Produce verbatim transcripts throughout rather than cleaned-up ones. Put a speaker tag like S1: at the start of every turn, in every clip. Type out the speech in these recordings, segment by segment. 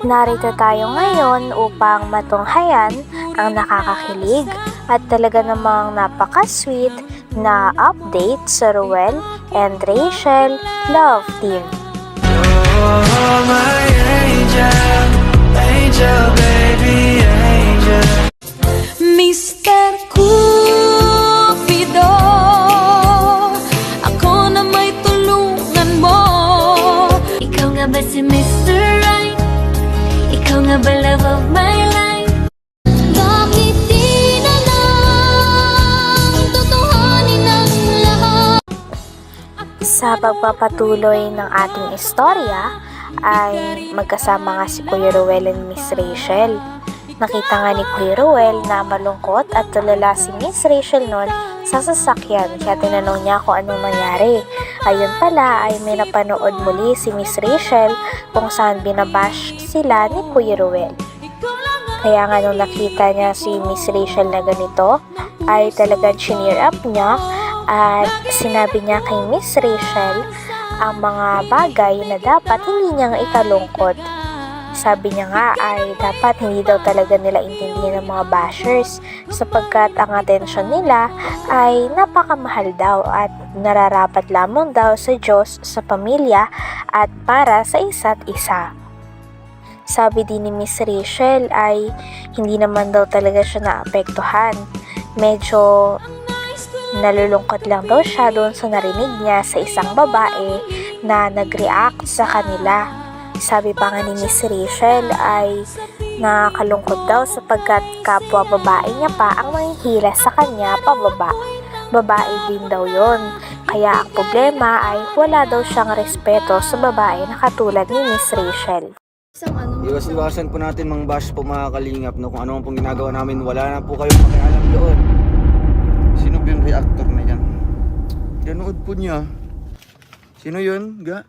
S1: Narito tayo ngayon upang matunghayan ang nakakakilig at talaga namang napaka-sweet na update sa Ruel and Rachel Love Team.
S2: Oh, my angel, angel, baby, angel.
S3: Mister Cupido, ako na may tulungan mo. Ikaw nga ba si Mister Right? Ikaw nga ba love of my life? Bakit di na lang tutuhanin ang lahat?
S1: Sa pagpapatuloy ng ating istorya ay magkasama nga si Kuya Ruel and Miss Rachel. Nakita nga ni Kuya Ruel na malungkot at tulala si Miss Rachel noon sa sasakyan, kaya tinanong niya kung anong nangyari. Ayun pala ay may napanood muli si Miss Rachel kung saan binabash sila ni Kuya Ruel. Kaya nga nung nakita niya si Miss Rachel na ganito ay talagang chineer up niya at sinabi niya kay Miss Rachel ang mga bagay na dapat hindi niyang ikalungkot. Sabi niya nga ay dapat hindi daw talaga nila intindihin ng mga bashers sapagkat ang atensyon nila ay napakamahal daw at nararapat lamang daw sa Diyos, sa pamilya at para sa isa't isa. Sabi din ni Miss Rachel ay hindi naman daw talaga siya naapektuhan. Medyo nalulungkot lang daw siya doon sa narinig niya sa isang babae na nag-react sa kanila. Sabi pa nga ni Miss Rachel ay nakakalungkot daw sapagkat kapwa babae niya pa ang manghihila sa kanya pababa. Babae din daw yon. Kaya ang problema ay wala daw siyang respeto sa babae na katulad ni Miss Rachel.
S4: Iwas-iwasan po natin mang bash po mga kalingap, no? Kung ano pong ginagawa namin, wala na po kayong pakialam doon. Sino ba yung reactor na yan? Ganood po niya. Sino yun? Ga?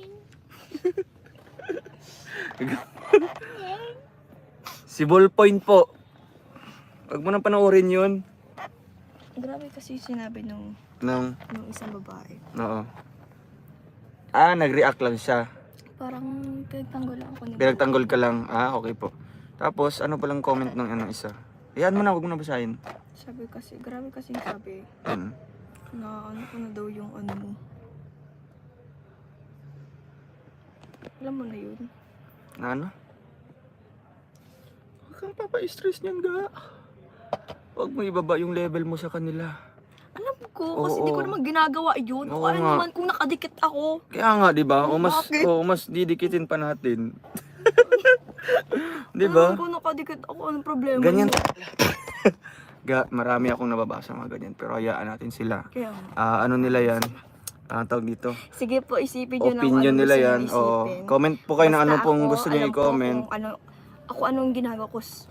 S4: Si Ballpoint po. Huwag mo nang panoorin yun.
S5: Grabe kasi sinabi nung,
S4: Nang,
S5: nung isang babae.
S4: oo. Ah, nag-react lang siya.
S5: Parang pinagtanggol lang ako ni
S4: Pinagtanggol ka lang. Ah, okay po. Tapos, ano palang comment ng ano isa? Iyan mo na, huwag mo na basahin.
S5: Sabi kasi, grabe kasi sabi
S4: Yan.
S5: na ano ko na daw yung ano mo. Alam mo na yun.
S4: Na ano? Huwag kang papa-stress niyan, ga. Huwag mo ibaba yung level mo sa kanila.
S5: Alam ko, kasi
S4: Oo.
S5: di ko naman ginagawa yun.
S4: Oo
S5: O ano
S4: nga.
S5: naman kung nakadikit ako.
S4: Kaya nga, di ba? O mas,
S5: Bakit?
S4: o mas didikitin pa natin. Di
S5: Ano
S4: ba?
S5: naman kung nakadikit ako, anong problema?
S4: Ganyan.
S5: mo?
S4: Ga, marami akong nababasa mga ganyan. Pero hayaan natin sila.
S5: Kaya nga.
S4: Ah, ano nila yan? Ah, tawag dito.
S5: Sige po, isipin nyo
S4: Opinion
S5: ng ano
S4: nila
S5: gusto
S4: yan.
S5: nyo
S4: Oo.
S5: isipin.
S4: Comment po kayo na
S5: Basta
S4: ano pong
S5: ako,
S4: gusto niyo
S5: alam ko
S4: i-comment.
S5: kung Ano, ako anong ginagawa ko. s-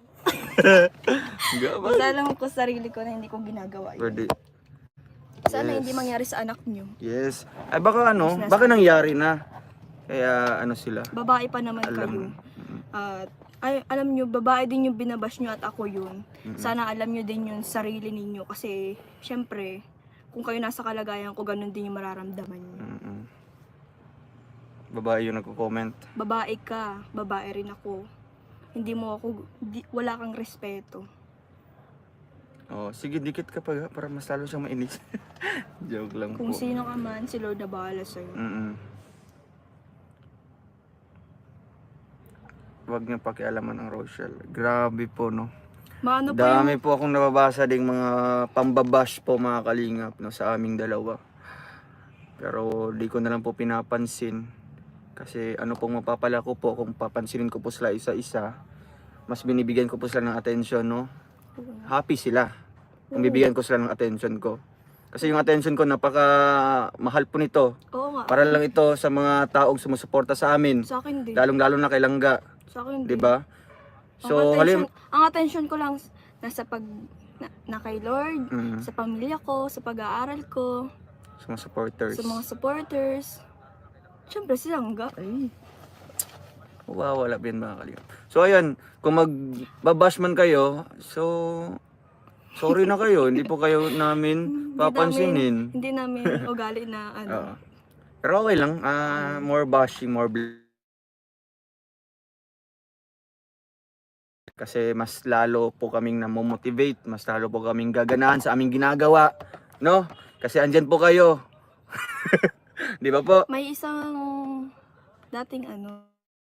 S4: Ga, ba?
S5: Basta alam ko sarili ko na hindi ko ginagawa yun.
S4: Pwede.
S5: Sana
S4: Yes.
S5: hindi mangyari sa anak nyo.
S4: Yes. Ay baka ano,
S5: Mas nasa-
S4: baka nangyari na. Kaya ano sila.
S5: Babae pa naman
S4: Alam.
S5: kayo. At ay, alam nyo, babae din yung binabash nyo at ako yun. Sana alam nyo din yung sarili ninyo kasi syempre, kung kayo nasa kalagayan ko, ganun din yung mararamdaman nyo.
S4: Mm-mm. Babae yung nagko-comment.
S5: Babae ka, babae rin ako. Hindi mo ako, di, wala kang respeto.
S4: Oh, sige, dikit ka pa ga, para mas lalo siyang mainis. Joke lang
S5: Kung
S4: po.
S5: sino ka man, si Lord na bahala sa'yo.
S4: Mm-mm. Huwag niyo pakialaman ang Rochelle. Grabe po, no?
S5: Maano pa
S4: Dami
S5: yung,
S4: po akong nababasa ding mga pambabash po mga kalingap, no, sa aming dalawa. Pero di ko na lang po pinapansin. Kasi ano pong mapapala ko po kung papansinin ko po sila isa-isa, mas binibigyan ko po sila ng attention, no? Happy sila kung bibigyan ko sila ng attention ko. Kasi yung attention ko napaka mahal po nito.
S5: oo nga,
S4: Para lang ito sa mga taong sumusuporta sa amin.
S5: sa akin din.
S4: Lalong-lalo na kay Langga,
S5: Sa akin
S4: 'di
S5: din.
S4: ba?
S5: So,
S4: So,
S5: ang attention,
S4: halim
S5: ang attention ko lang nasa pag na, na kay Lord,
S4: Mm.
S5: sa pamilya ko, sa pag-aaral ko,
S4: sa mga supporters.
S5: sa mga supporters. Siyempre si Langga.
S4: Ay. Wawala ba yan mga kalingap? So ayan, kung magbabash man kayo, so sorry na kayo, hindi po kayo namin papansinin.
S5: Hindi namin, hindi namin ugali na ano.
S4: Oo. Pero okay lang, ah more bashing, more Kasi mas lalo po kaming namomotivate, mas lalo po kaming gaganahan sa aming ginagawa, no? Kasi andyan po kayo. Di ba po?
S5: May isang dating ano,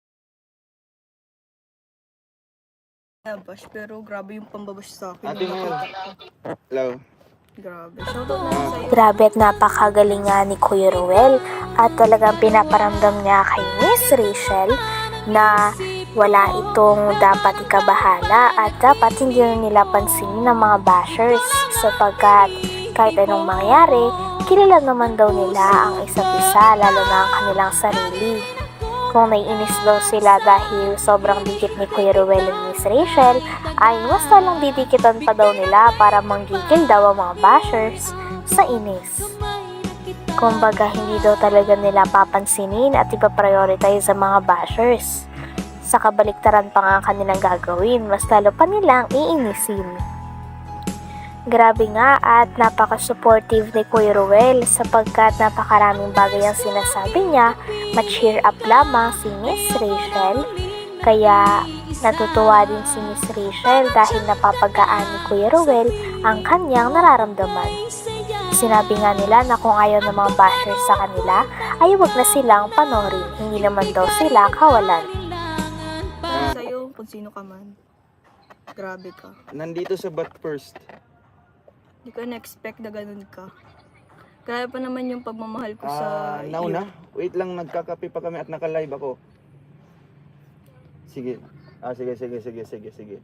S5: bash, pero grabe yung pambabash sa akin.
S4: Ate Mel. Hello.
S5: Grabe. Shoutout na lang sa'yo.
S1: Grabe at napakagaling nga ni Kuya Ruel at talagang pinaparamdam niya kay Miss Rachel na wala itong dapat ikabahala at dapat hindi na nila pansinin ng mga bashers sapagkat kahit anong mangyari, kilala naman daw nila ang isa't isa lalo na ang kanilang sarili. Kung naiinis daw sila dahil sobrang dikit ni Kuya Ruel at Miss Rachel, ay mas talang didikitan pa daw nila para manggigil daw ang mga bashers sa inis. Kumbaga hindi daw talaga nila papansinin at ipaprioritize ang mga bashers. Sa kabaliktaran pa nga ang kanilang gagawin, mas lalo pa nilang iinisin. Grabe nga at napaka-supportive ni Kuya Ruel sapagkat napakaraming bagay ang sinasabi niya, ma-cheer up lamang si Miss Rachel. Kaya natutuwa din si Miss Rachel dahil napapagaan ni Kuya Ruel ang kanyang nararamdaman. Sinabi nga nila na kung ayaw ng mga bashers sa kanila ay huwag na silang panorin, hindi naman daw sila kawalan.
S5: Sa'yo, kung sino ka man. Grabe ka.
S4: Nandito sa But First.
S5: Hindi ko na-expect na ganun ka. Kaya pa naman yung pagmamahal ko sa
S4: Ah, nauna. Wait lang, nagkakape pa kami at naka-live ako. Sige. Ah, sige, sige, sige, sige, sige.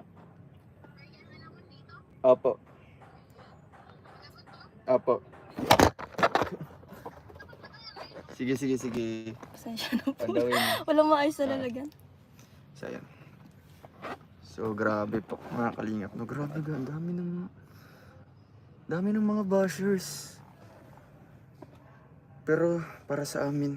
S4: Opo. Opo. Sige, sige, sige.
S5: Pasensya na po.
S4: Pandawin mo.
S5: Walang maayos na lalagyan.
S4: So, ayan. So, grabe po, mga kalingap. No, grabe ga, ang dami ng... dami ng mga bashers. Pero, para sa amin,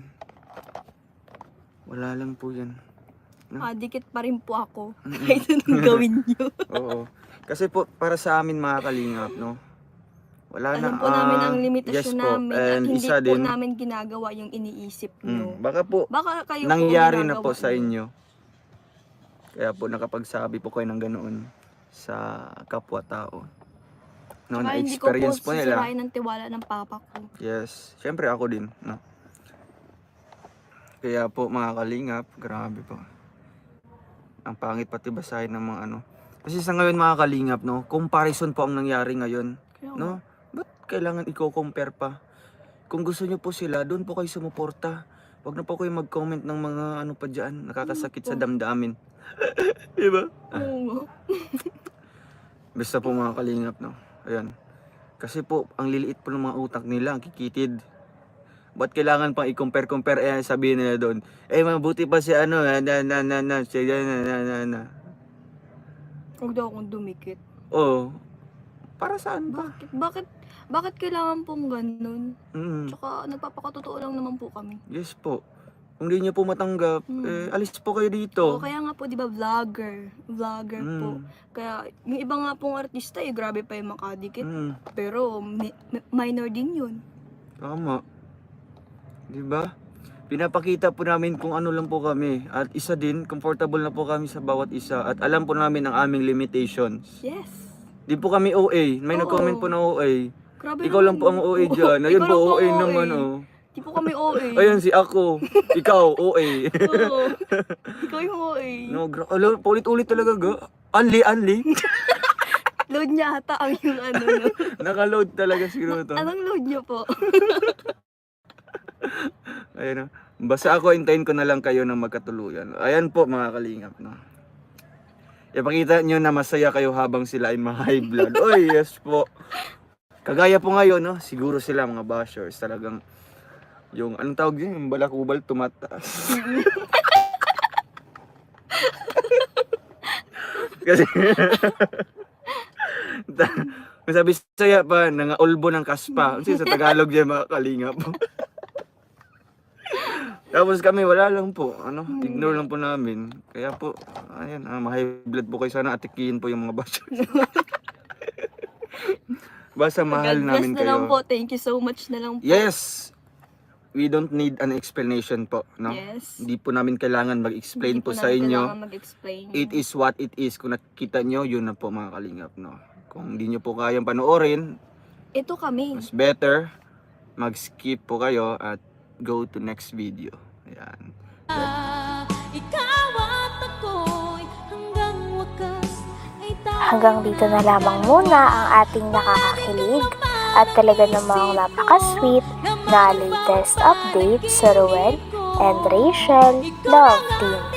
S4: wala lang po yan.
S5: Ah, dikit pa rin po ako. Kahit anong gawin niyo.
S4: Oo. Kasi po, para sa amin, mga kalingap, no? Wala na.
S5: Alam po namin
S4: ah,
S5: ang limitasyon
S4: yes po.
S5: namin at
S4: And
S5: hindi
S4: isa
S5: po
S4: din,
S5: namin ginagawa yung iniisip niyo.
S4: mm, baka po,
S5: Baka kayo
S4: nangyari
S5: po
S4: na po
S5: ginagawa
S4: sa
S5: niyo.
S4: inyo. Kaya po nakapagsabi po kayo ng ganoon sa kapwa-tao. No,
S5: Saka hindi ko
S4: na-experience
S5: po
S4: po nila.
S5: sisirain ng tiwala ng papa ko.
S4: Yes, syempre ako din, no. Kaya po mga kalingap, grabe po. Ang pangit pati basahin ng mga ano. Kasi sa ngayon mga kalingap, no, comparison po ang nangyari ngayon,
S5: Kaya nga.
S4: no? Ba't kailangan i-compare pa? Kung gusto niyo po sila, doon po kayo sumuporta. Huwag na po kayo mag-comment ng mga ano pa diyan, nakakasakit sa damdamin. Diba?
S5: Oo nga.
S4: Basta po mga kalingap, no. Ayan. Kasi po, ang liliit po ng mga utak nila, ang kikitid. Ba't kailangan pang i-compare-compare? Eh, sabihin nila doon, eh, mabuti pa si ano, na, na, na, na, na, si, na, na, na, na, na.
S5: Huwag daw akong dumikit.
S4: Oo. Para saan ba?
S5: Bakit? Bakit? Bakit kailangan pong ganun?
S4: Mm,
S5: Tsaka nagpapakatotoo lang naman po kami.
S4: yes po. Kung di niyo po matanggap,
S5: Mm.
S4: eh, alis po kayo
S5: Oo,
S4: dito.
S5: kaya nga po, di ba, vlogger. Vlogger po.
S4: Mm,
S5: Kaya, yung iba nga pong artista, eh, grabe pa yung makadikit.
S4: mm,
S5: Pero, mi- mi- minor din yun.
S4: tama. Di ba? Pinapakita po namin kung ano lang po kami. At isa din, comfortable na po kami sa bawat isa. At alam po namin ang aming limitations.
S5: Yes.
S4: Di po kami O A. May
S5: Oo.
S4: nag-comment po na O A.
S5: Grabe
S4: Ikaw lang
S5: naman
S4: po ang
S5: yun.
S4: O A dyan.
S5: Oo,
S4: Ayun
S5: ikaw
S4: po,
S5: lang
S4: O A
S5: ang
S4: naman oh.
S5: Di po kami O A.
S4: Ayun si ako. Ikaw, O A.
S5: Oo. Ikaw yung O A.
S4: No, gra- Alo, paulit-ulit talaga ga. Anli, anli.
S5: Load niya ata ang yung ano nyo.
S4: Nakaload talaga siguro to.
S5: Anong load niyo po?
S4: Ayun oh. Basta ako, hintayin ko na lang kayo ng magkatuluyan. Ayan po mga kalingap, no. Ipakita nyo na masaya kayo habang sila ay mga high blood. Oy, yes po. Kagaya po ngayon, no, siguro sila mga bashers talagang yung anong tawag yun, yung balakubal tumataas. Kasi masabi saya pa nangaulbo ng kaspa. Kasi sa Tagalog yan mga kalingap. Tapos kami wala lang po, ano, ignore lang po namin. Kaya po, ayan, ah, ma-high blood po kayo, sana atikihin po yung mga bashers. Basta mahal
S5: God bless
S4: namin
S5: na
S4: kayo.
S5: lang po. Thank you so much na lang po.
S4: Yes! we don't need an explanation po, no?
S5: Yes.
S4: Hindi po namin kailangan mag-explain
S5: Hindi
S4: po sa
S5: namin
S4: inyo.
S5: kailangan mag-explain.
S4: It is what it is. Kung nakikita nyo, yun na po mga kalingap, no? Kung hindi nyo po kayang panoorin,
S5: Ito kami.
S4: mas better mag-skip po kayo at go to next video. Ayan.
S3: Ikaw at ako'y hanggang wakas ay tayo.
S1: Hanggang dito na lamang muna ang ating nakakakilig at talaga namang napaka-sweet na latest update sa Ruel and Rachel Love Team.